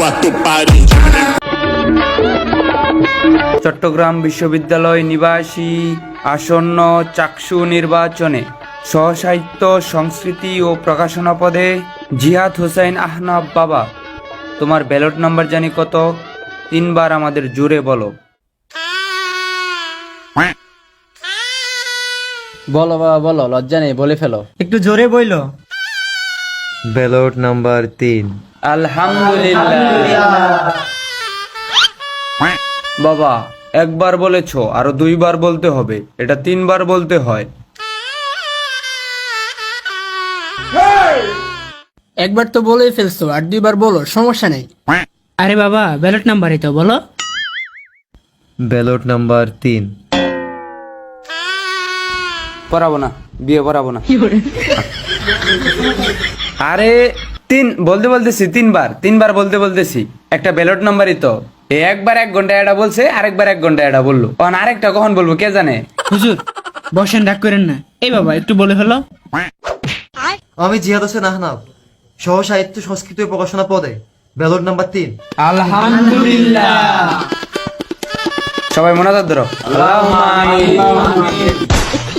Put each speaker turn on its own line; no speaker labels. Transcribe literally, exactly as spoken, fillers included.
চট্টগ্রাম বিশ্ববিদ্যালয় নিবাসী আসন্ন চাকসু নির্বাচনে সহসাহিত্য সংস্কৃতি ও প্রকাশনা পদে জিহাদ হোসেন আহনাফ বাবা, তোমার ব্যালট নাম্বার জানি কত? তিনবার আমাদের জুড়ে বলো।
বলো বাবা বলো, লজ্জা নেই, বলে ফেলো।
একটু জোরে বইলো।
ব্যালট নাম্বার তিন।
আলহামদুলিল্লাহ। বাবা একবার বলেছো, আরো দুইবার বলতে হবে, এটা তিনবার বলতে হয়।
একবার তো বলেই ফেলছো, আর দুইবার বলো, সমস্যা নেই।
আরে বাবা ব্যালট নাম্বারই তো বলো।
ব্যালট নাম্বার তিন।
পড়াবো না, বিয়ে পড়াবো না। আরে তিন বলতে বলতেছি, তিনবার তিনবার বলতে বলতেছি, একটা ব্যালট নাম্বারই তো। এ একবার এক ঘন্টা এটা বলছে, আরেকবার এক ঘন্টা এটা বললো, তখন আরেকটা কখন বলবো কে জানে।
হুজুর বসেন, রাগ করেন না। এই বাবা একটু বলে ফেলো।
আমি জিহাদ হোসেন আহনাফ, সহ সাহিত্য সংস্কৃতি ও প্রকাশনা পদে ব্যালট নাম্বার তিন।
আলহামদুলিল্লাহ। সবাই মোনাজাত ধরো। আল্লাহুম্মা আমিন।